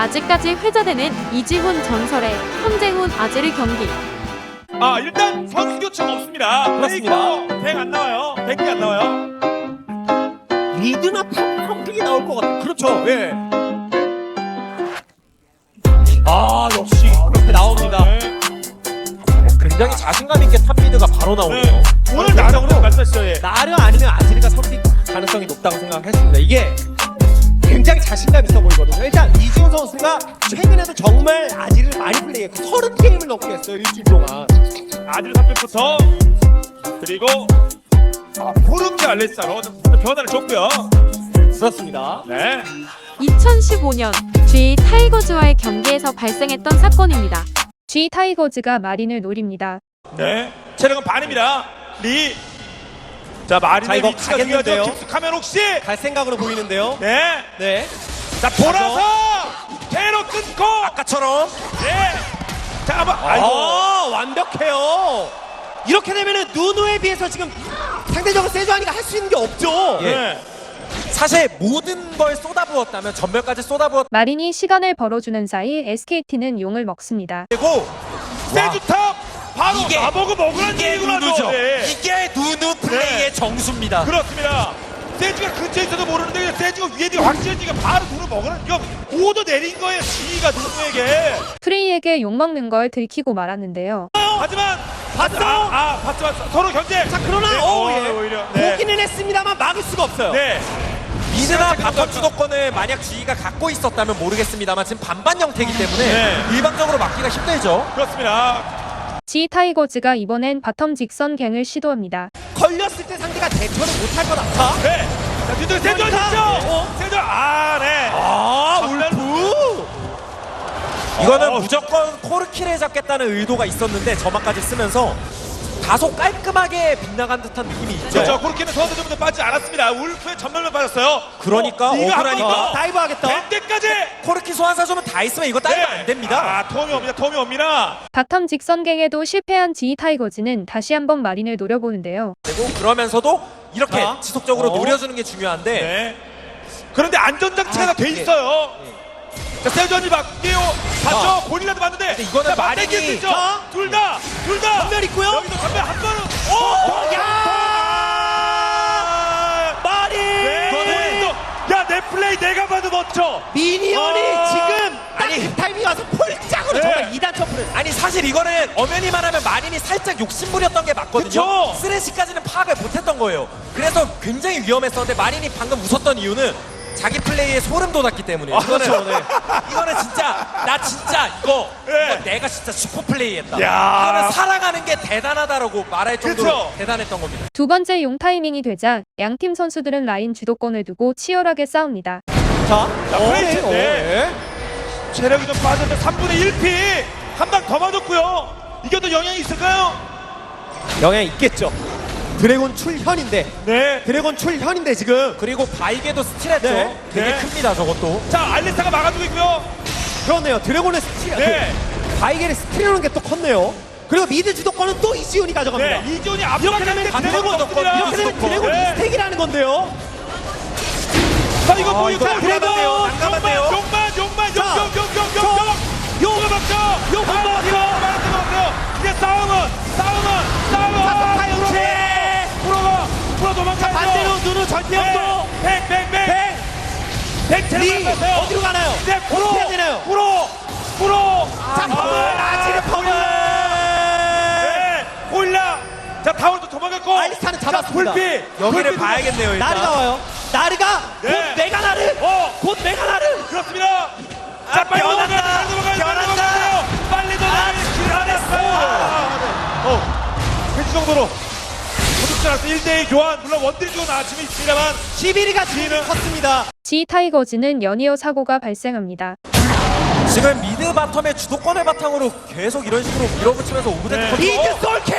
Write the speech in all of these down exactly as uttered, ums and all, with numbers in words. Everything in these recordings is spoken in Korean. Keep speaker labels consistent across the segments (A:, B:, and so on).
A: 아직까지 회자되는 이지훈 전설의 황재훈 아지르 경기.
B: 아 일단 선수 교체가 없습니다.
C: 그렇습니다.
B: 백 안 나와요. 백이 안 나와요.
C: 리드나 펌핑이 나올 것 같아요. 그렇죠. 예. 아 역시 그렇게 나옵니다.
B: 네.
C: 굉장히 자신감 있게 탑미드가 바로 나오네요.
B: 네. 오늘 나름으로 말씀하시죠. 예.
C: 나르 아니면 아지르가 선택 가능성이 높다고 생각했습니다. 이게 굉장히 자신감 있어 보이거든요. 일단 이지훈 선수가 최근에도 정말 아지르를 많이 플레이했고 서른 게임을 넘게 했어요. 일주일 동안.
B: 아들 삼 팩부터 그리고 아, 포르키 알레사로 변화를 줬고요.
C: 그렇습니다.
B: 네.
A: 이천십오 년 G 타이거즈와의 경기에서 발생했던 사건입니다. G 타이거즈가 마린을 노립니다.
B: 네. 체력은 반입니다. 리. 자 마린의
C: 자, 이거
B: 위치가
C: 가겠는데요?
B: 중요하죠. 깊숙하면 혹시.
C: 갈 생각으로 보이는데요.
B: 네.
C: 네.
B: 자 돌아서 대로 끊고.
C: 아까처럼.
B: 네. 자 한번. 아이고.
C: 아, 완벽해요. 이렇게 되면은 누누에 비해서 지금 상대적으로 세주하니가 할 수 있는 게 없죠.
B: 네.
D: 사실 모든 걸 쏟아부었다면 전멸까지 쏟아부었고
A: 마린이 시간을 벌어주는 사이 에스케이티는 용을 먹습니다.
B: 세주탑 바로
D: 이게-
B: 나보고 먹으라는
D: 이게
B: 얘기구나.
D: 누누죠.
B: 네.
D: 이게 누누 플레이의
B: 네.
D: 정수입니다.
B: 그렇습니다. 세주가 근처에 있어도 모르는데 그냥 세주가 위에 있는 확실히가 바로 누누 먹으라는 이거 오도 내린 거예요. 지희가 누누에게.
A: 프레이에게 용 먹는 걸 들키고 말았는데요.
B: 하지만 봤어. 아, 아 봤어 봤어. 서로 견제.
C: 자, 그러나
B: 네.
C: 어,
B: 어,
C: 예.
B: 오히려. 네.
C: 보기는 했습니다.만 막을 수가 없어요.
B: 네.
D: 미드나
B: 시간
D: 바텀
B: 체크가
D: 주도권을 만약 G가 갖고 있었다면 모르겠습니다만 지금 반반 형태이기 때문에
B: 네.
D: 일방적으로 막기가 힘들죠.
B: 그렇습니다.
A: G 타이거즈가 이번엔 바텀 직선 갱을 시도합니다.
C: 걸렸을 때 상대가 대처를 못할 것 같아.
B: 네. 자 뒤쪽에 세주
C: 그러니까.
B: 있죠.
C: 어?
B: 세주. 아 네.
C: 아,
B: 전멸.
C: 울프.
D: 이거는
B: 어.
D: 무조건 코르키를 잡겠다는 의도가 있었는데 저만까지 쓰면서 다소 깔끔하게 빗나간 듯한 느낌이 있죠.
B: 그렇죠. 그렇게는 소환 좀 빠지지 않았습니다. 울프의 전멸만 빠졌어요.
D: 그러니까
B: 어, 네가
D: 억울하니까.
B: 한번 더
C: 다이브 하겠다.
B: 될 때까지.
D: 코르키 소환사 주면 다 있으면 이거 따위면 안 됩니다.
B: 아 톰이 옵니다. 톰이 옵니다.
A: 바텀 직선 갱에도 실패한 G 타이거즈는 다시 한번 마린을 노려보는데요.
D: 그리고 그러면서도 이렇게
C: 자.
D: 지속적으로
C: 어.
D: 노려주는 게 중요한데
B: 네. 그런데 안전장치가
C: 아,
B: 다 돼
C: 예.
B: 있어요. 자, 세전이 맞게요. 봤죠?
D: 자.
B: 본인이라도 봤는데.
D: 근데 이거는
B: 자,
D: 마린이-
B: 맞대기일 수 있죠?
C: 자.
B: 둘 다, 둘 다.
C: 전멸 있고요.
B: 여기도 전멸 한 번은. 오!
C: 야! 마린!
B: 네. 또, 야, 내 플레이 내가 봐도 멋져.
C: 미니언이
B: 아.
C: 지금
D: 아니.
C: 아니 타이밍 와서 폴짝으로
B: 네.
C: 정말 이단 점프를.
D: 아니 사실 이거는 엄연히만 하면 마린이 살짝 욕심부렸던 게 맞거든요.
B: 그쵸?
D: 쓰레쉬까지는 파악을 못했던 거예요. 그래서 굉장히 위험했었는데 마린이 방금 웃었던 이유는 자기 플레이에 소름 돋았기 때문에. 이거는
B: 그렇죠, 네.
D: 이거는 진짜 나 진짜 이거,
B: 네.
D: 이거 내가 진짜 슈퍼 플레이했다.
B: 야.
D: 이거는 사랑하는 게 대단하다라고 말할 정도로
B: 그쵸?
D: 대단했던 겁니다.
A: 두 번째 용 타이밍이 되자 양팀 선수들은 라인 주도권을 두고 치열하게 싸웁니다.
C: 자,
B: 자,
C: 어,
B: 프레이트.
C: 어,
B: 네. 체력이 좀 빠졌는데 삼분의 일 피. 한 방 더 맞았고요. 이게 또 영향이 있을까요?
C: 영향 있겠죠. 드래곤 출현인데
B: 네.
C: 드래곤 출현인데 지금
D: 그리고 바이게도 스틸했죠.
C: 네.
D: 되게
B: 네.
D: 큽니다 저것도.
B: 자, 알리스타가 막아주고 있고요.
C: 그렇네요. 드래곤의 스틸,
B: 네.
C: 그 바이겔의 스틸하는 게 또 컸네요. 그리고 미드 주도권은 또 이지훈이 가져갑니다.
B: 네. 이존이
C: 이렇게 되면
B: 앞서가는데
C: 드래곤
B: 없습니다.
C: 이렇게 되면 드래곤
B: 네.
C: 이스택이라는 건데요.
B: 자, 이거
C: 아,
B: 뭐
C: 이거
B: 이거
C: 난감한데요.
B: 용만,
C: 난감한데요.
B: 용만, 용만,
C: 자,
B: 용, 용, 용, 용, 용, 용, 용을 막죠.
C: 용
B: 아,
C: 한번
B: 이거 말하는 거 같아요. 이제 싸움은, 싸움은, 싸움은.
C: 자, 파이어치.
B: 프로가, 프로 도망가요.
C: 반대로 눈을 전태형도
B: 백, 백, 백, 백. 백
C: 리
B: 제일 많았어요.
C: 어디로 가나요?
B: 이제 프로,
C: 어떻게 해야 되나요?
B: 프로, 프로.
C: 자, 펌을 아지르 펌을.
B: 네, 홀라. 자, 타월도 도망갔고.
C: 알리스타는 잡았습니다.
B: 자, 불피.
D: 여기를
B: 불피
D: 봐야겠네요 일단.
C: 나르가 와요. 나르가
B: 네.
C: 곧 메가나르.
B: 어.
C: 곧 메가나르.
B: 그렇습니다. 자, 빨리
D: 변한다.
B: 넘어가요. 빨리 넘어가요. 빨리
D: 변한다.
B: 넘어가요. 빨리 넘어가요. 기다렸어요. 어, 그 정도로. 도둑질 않았어. 일 대일 교환. 물론 원딜 교환 아침에 있습니다만.
C: 시비리가 지금
B: 지는-
C: 컸습니다.
A: G 타이거즈는 연이어 사고가 발생합니다.
D: 지금 미드 바텀의 주도권을 바탕으로 계속 이런 식으로 밀어붙이면서 오브젝트
B: 네.
D: 컨트롤.
C: 미드 솔캐.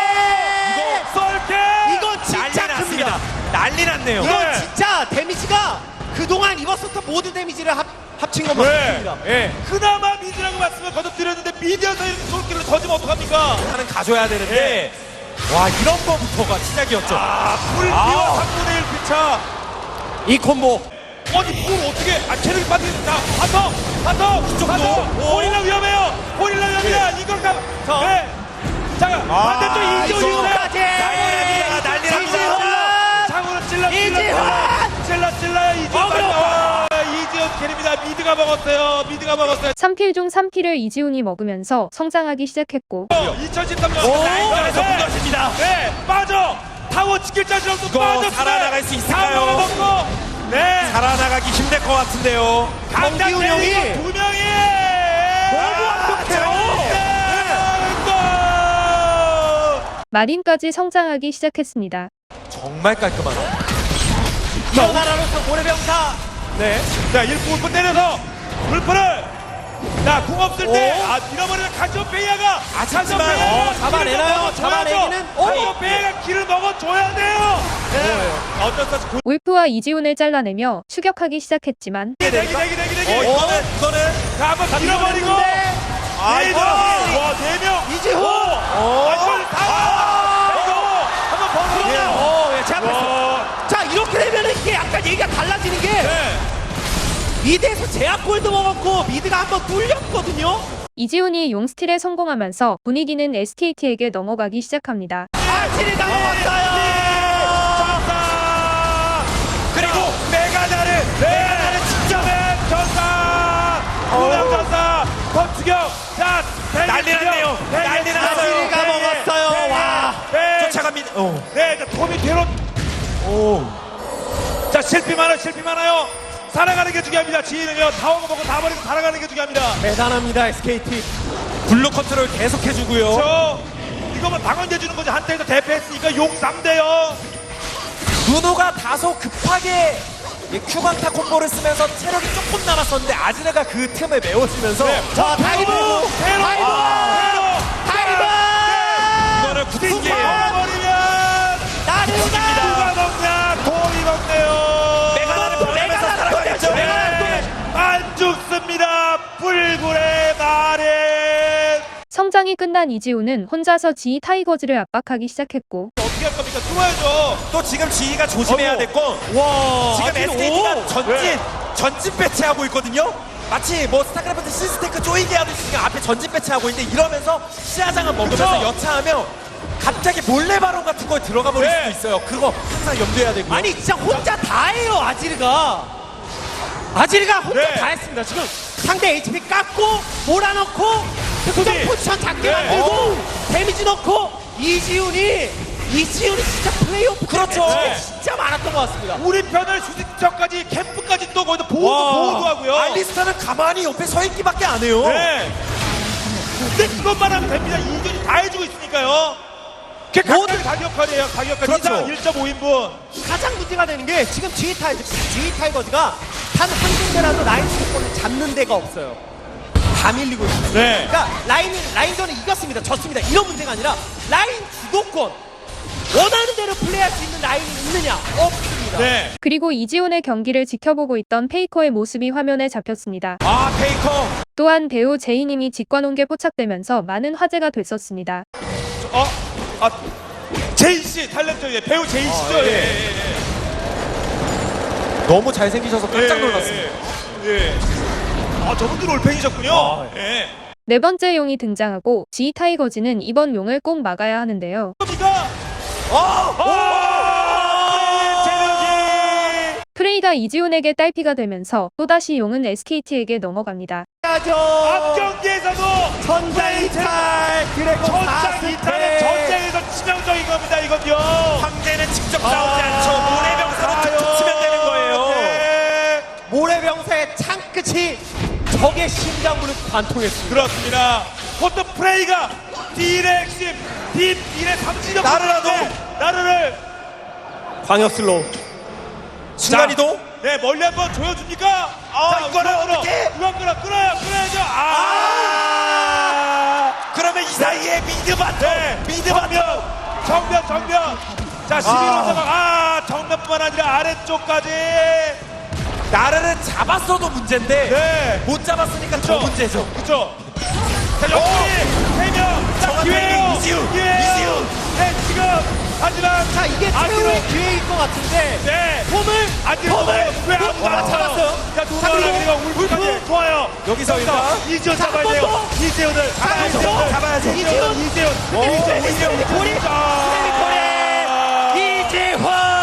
B: 이거 썰게.
C: 이건 진짜
D: 난리
C: 큽니다.
D: 났습니다. 난리 났네요.
B: 네.
C: 이건 진짜 데미지가 그동안 입었었던 모든 데미지를 합, 합친 것만
B: 네.
C: 같습니다.
D: 예.
B: 그나마 미드라고 말씀을 거듭드렸는데 미디어에서 이렇게 솔길을 던지면 어떡합니까?
D: 하는 가져야 되는데 와 이런 거부터가 시작이었죠.
B: 아, 불피와
D: 아.
B: 삼분의 일 피차.
C: 이 콤보
B: 아니, 그걸 어떻게, 아, 체력이 빠지겠다. 가서, 바텀
D: 이쪽도.
B: 바텀
D: 오.
B: 고릴라 위험해요. 고릴라 위험합니다. 이걸 가.
C: 자.
B: 네. 자 반대쪽
C: 아,
B: 이지훈
C: 이지훈까지.
B: 난리 납니다. 장훈은 찔러 찔러
C: 이지훈!
B: 찔러 찔러요. 이지훈
C: 어그로.
B: 아, 이지훈 캐립니다. 미드가 먹었어요. 미드가 먹었어요.
A: 삼 킬 중 삼 킬을 이지훈이 먹으면서 성장하기 시작했고
B: 이천십삼 년
D: 오,
B: 라인전에서
D: 네.
B: 무너집니다. 네, 빠져. 타워 지킬 자신 없어.
D: 이거
B: 빠져.
D: 살아나갈 수 있을까요?
B: 먹고. 네.
D: 살아나가기 힘들 것 같은데요.
C: 정기훈 형이
B: 두 명이
C: 너무 완벽해요.
A: 마린까지 성장하기 시작했습니다.
D: 정말 깔끔하네.
C: 이어나라로서 모래병사. 네.
B: 자, 일 분 울프 때려서 울프를 자, 궁 없을 때
C: 오.
B: 아, 밀어버리는 카시오페이아가
D: 아쉽지만,
C: 어, 잡아내나요? 잡아내기는? 오.
B: 카시오페이아가 길을 먹어줘야 돼요. 네. 어쩔 수 없이
A: 울프와 이지훈을 잘라내며 추격하기 시작했지만
B: 대기 대기 대기 대기 대기.
D: 어, 이거는, 이거는.
B: 자, 한번 밀어버리고
D: 아,
B: 네
D: 이거.
B: 명. 와, 네 명.
C: 이지훈.
B: 아, 이걸 다. 이거 한번 버텨.
C: 어, 예, 제압했어.
B: 와.
C: 자, 이렇게 되면은 이게 약간 얘기가 달라지는 게
B: 네.
C: 미드에서 제압골도 먹었고 미드가 한번 뚫렸거든요.
A: 이지훈이 용스틸에 성공하면서 분위기는 에스케이티에게 넘어가기 시작합니다.
C: 아지를 당했어요.
B: 전사. 그리고 메가나를 메가나를 직접해 전사. 우명 전사. 권투경. 자,
D: 난리 났네요. 난리 났어요.
C: 아지가 먹었어요. 와.
B: 네.
D: 쫓아갑니다. 어.
B: 네, 자, 톰이 뒤로.
D: 오.
B: 자, 실패 많아요. 실패 많아요. 살아가는 게 중요합니다. 지인은요. 타워가 먹고 다 버리고 살아가는 게 중요합니다.
C: 대단합니다, 에스케이티.
D: 블루 컨트롤 계속 해주고요.
B: 저 이거만 방언제 주는 거지. 한때에서 대패했으니까 용 쌈대요.
D: 누누가 다소 급하게 이 큐방타 콤보를 쓰면서 체력이 조금 남았었는데 아즈르가 그 틈을 메워주면서
B: 네.
C: 자, 다이브!
B: 테로.
C: 다이브! 다이브!
D: 이거는 구팅기예요.
B: 버리면
C: 나르가!
B: 누가 먹냐? 톰이 먹네요.
D: 메가나를 보내면서 살아가야죠.
B: 네. 안 죽습니다. 불굴의 말에
A: 성장이 끝난 이지훈은 혼자서 지이 타이거즈를 압박하기 시작했고
B: 어떻게 할 겁니까? 들어와야죠.
D: 또 지금 지희가 조심해야
B: 어머.
D: 될 건
C: 와,
D: 지금
C: 아지르,
D: 에스케이티가
C: 오!
D: 전진
B: 네.
D: 전진 배치하고 있거든요. 마치 뭐 스타크래프트 시스테크 쪼이게 하듯이 지금 앞에 전진 배치하고 있는데 이러면서 시야장을 먹으면서
B: 그쵸?
D: 여차하면 갑자기 몰래 바론 같은 거에 들어가 버릴
B: 네.
D: 수도 있어요. 그거 항상 염두해야 되고요.
C: 아니 진짜 혼자 다 해요, 아지르가. 아지르가 혼자
B: 네.
C: 다 했습니다. 지금 상대 에이치피 깎고 몰아넣고 특정
B: 수비.
C: 포지션 작게
B: 네.
C: 만들고 데미지 넣고 이지훈이 이지훈이 진짜 플레이오프
D: 그렇죠.
C: 때문에
B: 네.
C: 진짜 많았던 것 같습니다.
B: 우리 편을 수직처까지 캠프까지 또 거기서 보호도
C: 와.
B: 보호도 하고요.
D: 알리스타는 가만히 옆에 서 있기밖에 안 해요.
B: 네. 근데 그것만 하면 됩니다. 이준이 다 해주고 있으니까요. 그게 각각 가격화래요. 가격화
D: 그렇죠.
B: 이상 일 점 오 인분.
C: 가장 문제가 되는 게 지금 G 타이거, G 타이거즈가 단 한 군데라도 라인 수도권을 잡는 데가 없어요. 다 밀리고 있어요.
B: 네.
C: 그러니까 라인 라인전을 이겼습니다, 졌습니다. 이런 문제가 아니라 라인 주도권 원하는 대로 플레이할 수 있는 라인이 있느냐 없습니다.
B: 네.
A: 그리고 이지훈의 경기를 지켜보고 있던 페이커의 모습이 화면에 잡혔습니다.
D: 아 페이커.
A: 또한 배우 제이님이 직관온게 포착되면서 많은 화제가 됐었습니다.
B: 어? 아, 제이 씨 탤런트 예, 배우 제이 씨죠.
D: 아, 예.
B: 예, 예, 예.
D: 너무 잘생기셔서 깜짝
B: 예,
D: 놀랐습니다.
B: 예. 예. 아, 저분들 올팬이셨군요.
D: 아,
B: 예.
A: 네 번째 용이 등장하고 지이 타이거즈는 이번 용을 꼭 막아야 하는데요.
B: 이가 아! 제너지.
A: 프레이가 이지훈에게 딸피가 되면서 또다시 용은 에스케이티에게 넘어갑니다.
C: 해야죠.
B: 앞 경기에서도
C: 전장 이탈 드래곤
B: 전장 이탈의 전쟁에서 치명적인 겁니다. 이건요.
D: 황제는 직접 싸우지 않죠. 모래병사로 툭툭 치면 되는 거예요.
B: 네.
C: 모래병사의 창끝이 적의 심장부를 관통했습니다.
B: 그렇습니다. 포트 프레이가 딜의 핵심, 딜, 딜의 삼지적
D: 나르라도.
B: 나르를
C: 광역 슬로우.
D: 순간이동.
B: 네, 멀리 한번 조여줍니까?
D: 아,
B: 자,
D: 이거를
B: 끌어, 끌어.
D: 어떻게?
B: 이거 끌어, 끌어요, 끌어야죠. 아!
D: 그러면 이 사이에 미드 바텀.
B: 네,
D: 미드 바텀.
B: 정면, 정면. 자, 십일 호자가 아, 정면뿐만 아니라 아래쪽까지.
D: 나르를 잡았어도 문제인데
B: 네.
D: 못 잡았으니까
B: 그쵸?
D: 더 문제죠.
B: 그쵸? 자, 역시 세 명. 자,
D: 정확한
B: 기회예요.
D: 이지훈,
B: 기회예요.
D: 이지훈.
B: 네, 지금. 하지만.
C: 자, 이게
B: 아지로.
C: 최후의 기회일 것 같은데
B: 네.
C: 폼을
B: 안지로
C: 폼을
B: 왜 아무도
C: 폼을
B: 안
C: 잡았어요.
B: 자,
C: 자,
B: 누가
C: 그리고
B: 그리고 울프까지 좋아요.
D: 여기서 일단
B: 이지훈
C: 자,
B: 잡아야
C: 한
B: 돼요.
C: 번 더.
B: 이재훈을
C: 한 번 더.
D: 잡아야죠.
B: 이재훈, 이재훈.
C: 오,
B: 이재훈, 이재훈.
C: 고리
B: 아.
C: 이재환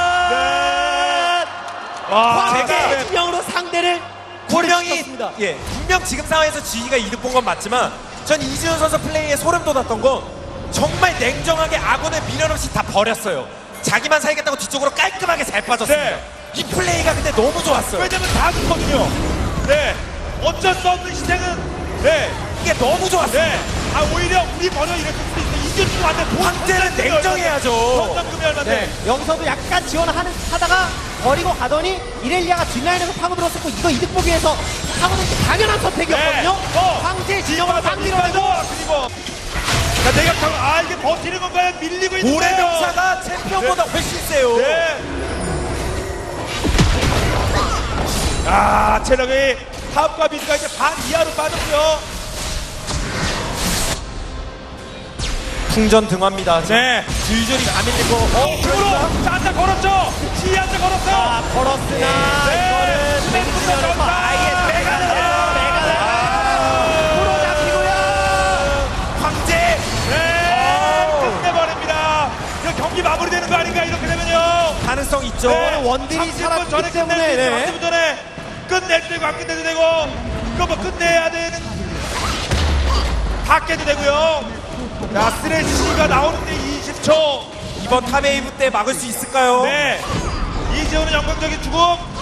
B: 와,
C: 황제
B: 제가
C: 진영으로 상대를
D: 분명히
C: 고립시켰습니다.
D: 예 분명 지금 상황에서 지희가 이득 본 건 맞지만 전 이지훈 선수 플레이에 소름 돋았던 건 정말 냉정하게 아군을 미련 없이 다 버렸어요. 자기만 살겠다고 뒤쪽으로 깔끔하게 잘 빠졌습니다.
B: 네.
D: 이 플레이가 근데 너무 좋았어요.
B: 왜냐면 다 죽거든요. 네. 어쩔 수 없는 희생은 네.
D: 이게 너무 좋았어요.
B: 네. 아 오히려 우리 버려 이랬을 수도 있어. 이재훈 완전
D: 황제는 냉정해야죠.
B: 성장금이 얼마인데.
C: 네, 여기서도 약간 지원하는 하다가 버리고 가더니 이렐리아가 뒷라인에서 파고들었었고 이거 이득 보기 위해서 파고드는 게 당연한 선택이었거든요.
B: 네. 어.
C: 황제 진영으로 딱 밀어내고
B: 그리고 자, 내가 타고 아 이게 버티는 건가요? 밀리고 있는데요.
D: 고래명사가 챔피언보다 훨씬 세요.
B: 네. 아 체력이 탑과 미드가 이제 반 이하로 빠졌고요.
D: 풍전 등화입니다.
B: 네.
D: 줄줄이 안 밀리고
B: 어, 으로 자, 한자 걸었죠. 지 한자 걸었어.
C: 아, 걸었으나
B: 네.
C: 이거는
B: 스맨부터
C: 맹진영에서
B: 걸었어.
C: 아예 메가 나가 메가 나가 프로 잡히고요.
D: 황제.
B: 네. 끝내버립니다. 이거 경기 마무리되는 거 아닌가 이렇게 되면요.
D: 가능성 있죠.
C: 네. 원딜이
B: 삼십 분
C: 살았기
B: 전에
C: 때문에,
B: 끝내야 돼.
C: 네.
B: 삼십 분 전에 끝낼 때고 안 끝내도 되고 그거 뭐 끝내야 되는 다 깨도 되고요. 자 쓰레쉬가 나오는데 이십 초.
D: 이번 탑웨이브 때 막을 수 있을까요?
B: 네. 이재훈은 영광적인 죽음.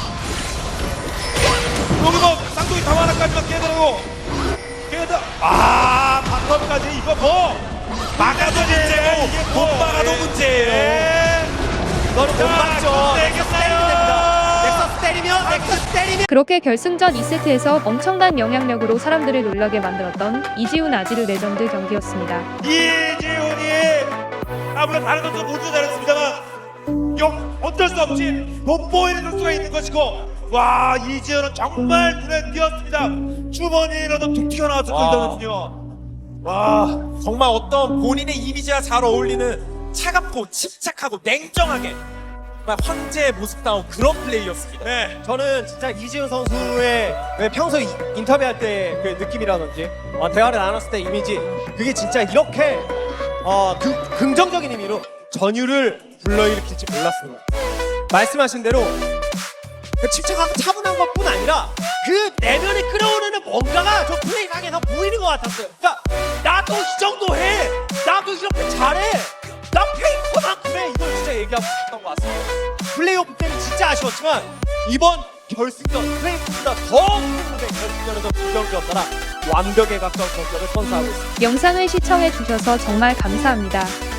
B: 여기 뭐 쌍둥이 탑 하나까지만 깨더라고. 깨다. 아 바텀까지 이거 뭐 막아도 문제고 이게 뭐.
D: 못 막아도
B: 네.
D: 문제예요.
B: 네.
C: 이거는 못 막죠. 넥서스 때리면 됩니다.
B: 넥서스
C: 넥서스 때리면 넥서스 때리면
A: 그렇게 결승전 이 세트에서 엄청난 영향력으로 사람들을 놀라게 만들었던 이지훈 아지르 레전드 경기였습니다.
B: 이재훈이 아무래도 다른 선수 모두 잘했습니다만 영 어쩔 수 없이 돋보이는 선수가 있는 것이고 와 이재훈은 정말 눈에 띄었습니다. 주머니라도 툭 튀어나왔었던
D: 와.
B: 선수요. 와
D: 정말 어떤 본인의 이미지와 잘 어울리는 차갑고 침착하고 냉정하게 정말 황제의 모습다운 그런 플레이였습니다.
B: 네.
C: 저는 진짜 이지훈 선수의 왜 평소 이- 인터뷰할 때 그 느낌이라든지 어, 대화를 나눴을 때 이미지 그게 진짜 이렇게 어, 그, 긍정적인 의미로 전율을 불러일으킬지 몰랐습니다. 말씀하신 대로 그 침착하고 차분한 것뿐 아니라 그 내면에 끌어오르는 뭔가가 저 플레이상에서 보이는 것 같았어요. 그러니까 나도 이 정도 해, 나도 이렇게 잘해, 나 페이커만큼 해. 이걸 진짜 얘기하고 싶었던 것 같습니다. 플레이오프 때는 진짜 아쉬웠지만 이번 결승전 플레이오프보다 더 큰 무대 결승전에서 두 경기였더라 완벽에 가까운 경기를 선사하고 있습니다.
A: 영상을 시청해주셔서 정말 감사합니다.